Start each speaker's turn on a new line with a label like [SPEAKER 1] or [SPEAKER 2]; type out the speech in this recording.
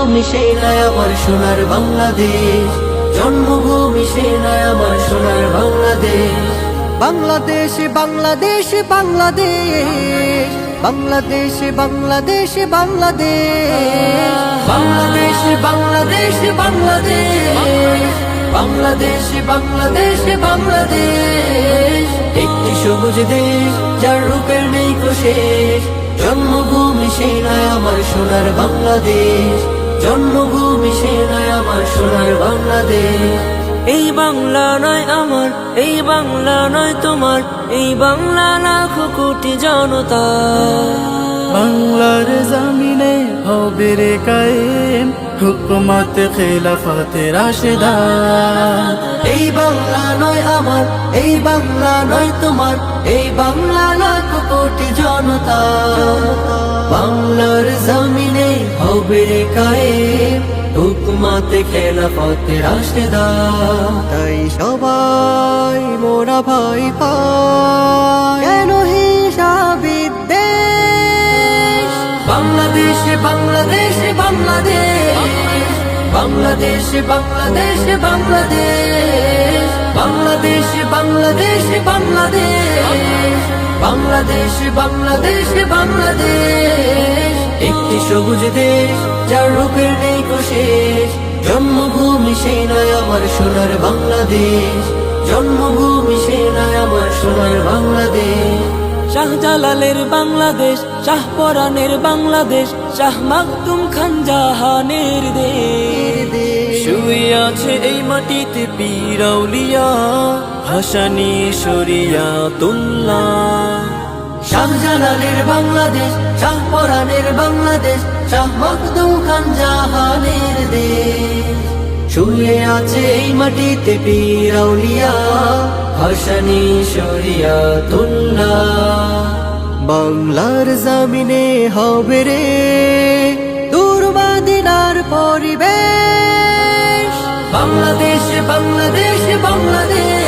[SPEAKER 1] জন্মভূমি সেই নয় আমার সোনার বাংলাদেশ, জন্মভূমি সেই নয় আমার সোনার বাংলাদেশ।
[SPEAKER 2] বাংলাদেশ বাংলাদেশ বাংলাদেশ, বাংলাদেশ বাংলাদেশ বাংলাদেশ,
[SPEAKER 1] বাংলাদেশ বাংলাদেশ বাংলাদেশ, বাংলাদেশ বাংলাদেশ বাংলাদেশ। একটি সবুজ দেশ যার রূপের নেই শেষ, জন্মভূমি সেই নয় আমার সোনার বাংলাদেশ, জন্মভূমি সেই নয় আমার সোনার বাংলাদেশ।
[SPEAKER 3] এই বাংলা নয় আমার, এই বাংলা নয় তোমার, এই বাংলা লাখো কোটি জনতা।
[SPEAKER 2] বাংলার জমিনে হবে রে কায়েম হুকুমত খিলাফত রাশেদা।
[SPEAKER 1] এই বাংলা নয় আমার, এই বাংলা নয় তোমার, এই বাংলা লাখো কোটি জনতা। বাংলার জমিনে হবে রে কায়েম হুকুমত খেলাফত রাশেদা।
[SPEAKER 2] তাই সবাই মোরা ভাই পাই কেন হিসাবিদ দেশ।
[SPEAKER 1] বাংলাদেশ বাংলাদেশ বাংলাদেশ, বাংলাদেশ বাংলাদেশ বাংলাদেশ, বাংলাদেশ বাংলাদেশ বাংলাদেশ, বাংলাদেশ বাংলাদেশ বাংলাদেশ। একটি সবুজ দেশ যার রূপের নেই শেষ, জন্মভূমি সেই নয় আমার সোনার বাংলাদেশ, জন্মভূমি সেই নয় আমার সোনার বাংলাদেশ।
[SPEAKER 3] শাহজালালের বাংলাদেশ, শাহপরানের বাংলাদেশ, শাহ মাকদুম খান জাহানের দেশ। শুয়ে আছে এই মাটিতে পীর আউলিয়া, হাসানী শরিয়াতুল্লাহ।
[SPEAKER 1] শাহজালালের বাংলাদেশ, শাহপরানের বাংলাদেশ, শাহ মখদুম খান জাহানের দেশ। শুয়ে আছে এই মাটিতে পীর আউলিয়া, হাসানী শরিয়াতুল্লাহ।
[SPEAKER 2] বাংলার জমিনে হবে রে দূর মদিনার পরিবেশ।
[SPEAKER 1] বাংলাদেশ বাংলাদেশ বাংলাদেশ,